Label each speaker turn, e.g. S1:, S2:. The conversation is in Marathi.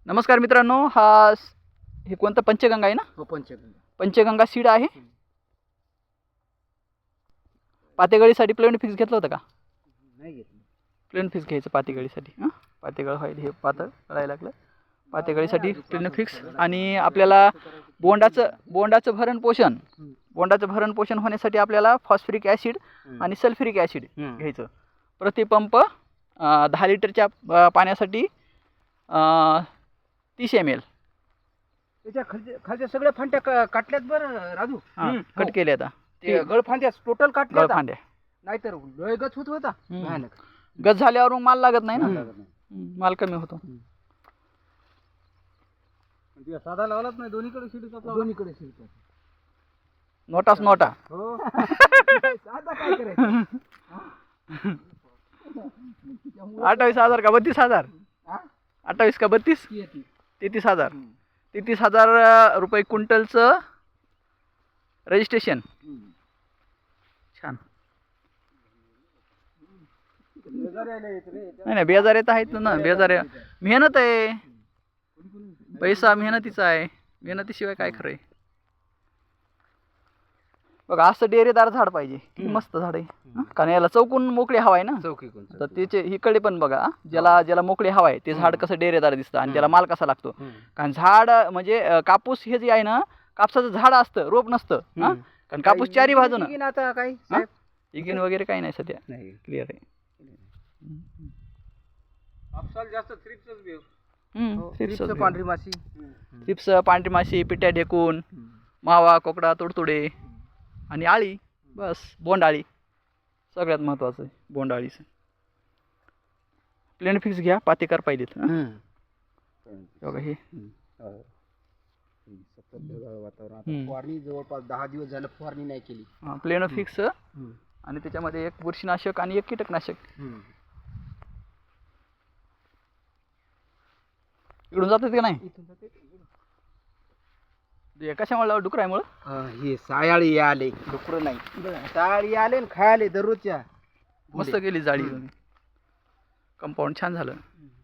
S1: नमस्कार मित्रांनो, हे कोणतं पंचगंगा आहे ना?
S2: हो, पंचगंगा.
S1: पंचगंगा सीड आहे. पातेगळीसाठी प्लेन फिक्स घेतलं होतं का?
S2: नाही घेतलं.
S1: प्लेन फिक्स घ्यायचं पातेगळीसाठी. हां, पातेगळ व्हायला हे पातळ कळायला लागलं. पातेगळीसाठी प्लेन फिक्स. आणि आपल्याला बोंडाचं भरण पोषण होण्यासाठी आपल्याला फॉस्फरिक ॲसिड आणि सल्फ्युरिक ॲसिड घ्यायचं. प्रतिपंप 10 लिटरच्या पाण्यासाठी 30 ml.
S2: त्याच्या खालच्या सगळ्या फांद्या काटल्यात बरं राजू.
S1: कट केले आता
S2: ते गळफांद्या टोटल काटल्या.
S1: गळफांद्या
S2: नाहीतर लय गच होत होता. भयानक.
S1: गज झाल्यावर मग माल लागत नाही ना, माल कमी होतो.
S2: साधा लावलाच नाही, दोन्हीकडे शिडीचा. दोन्हीकडे शिडीचा.
S1: नोटाच नोटा.
S2: हो. साधा काय करायचं?
S1: 28,000 का 32,000? 28 का 32? 33,000. 33,000 रुपये क्विंटलचं रजिस्ट्रेशन. छान. नाही बेजार येत आहेत ना, बेजार मेहनत आहे. पैसा मेहनतीचा आहे, मेहनतीशिवाय काय खरं आहे. बघा असं डेरेदार झाड पाहिजे. किती मस्त झाड आहे. कारण याला चौकून मोकळी हवा आहे ना. तर त्याचे इकडे पण बघा, ज्याला मोकळी हवा आहे ते झाड कसं डेरेदार दिसतं आणि त्याला माल कसा लागतो. कारण झाड म्हणजे कापूस हे जे आहे ना, कापसाचं झाड असतं, रोप नसतं. कारण कापूस चारी बाजून.
S2: आता काही
S1: इगिन वगैरे काही नाही सध्या.
S2: नाही,
S1: क्लिअर आहे.
S2: कापसाला जास्त थ्रिप्सच बेव.
S1: पांढरी माशी, थ्रिप्स, पांढरी माशी, पिट्या ढेकून, मावा, कोकडा, तुडतुडे आणि आळी. बस बोंडाळी सगळ्यात महत्त्वाचं आहे. बोंडाळीचं प्लेन फिक्स घ्या, पातेकार पाहिजेत. बघा हे
S2: वातावरण. फवारणी जवळपास 10 दिवस झालं फवारणी नाही केली.
S1: प्लेन फिक्स आणि त्याच्यामध्ये एक बुरशीनाशक आणि एक कीटकनाशक. इकडून जातात का नाही? कशामुळे? डुकरामुळे.
S2: हे सायाळी आले, डुकर नाही. सायाळी आले खायले दररोजच्या.
S1: मस्त केली जाळी. कंपाऊंड छान झालं.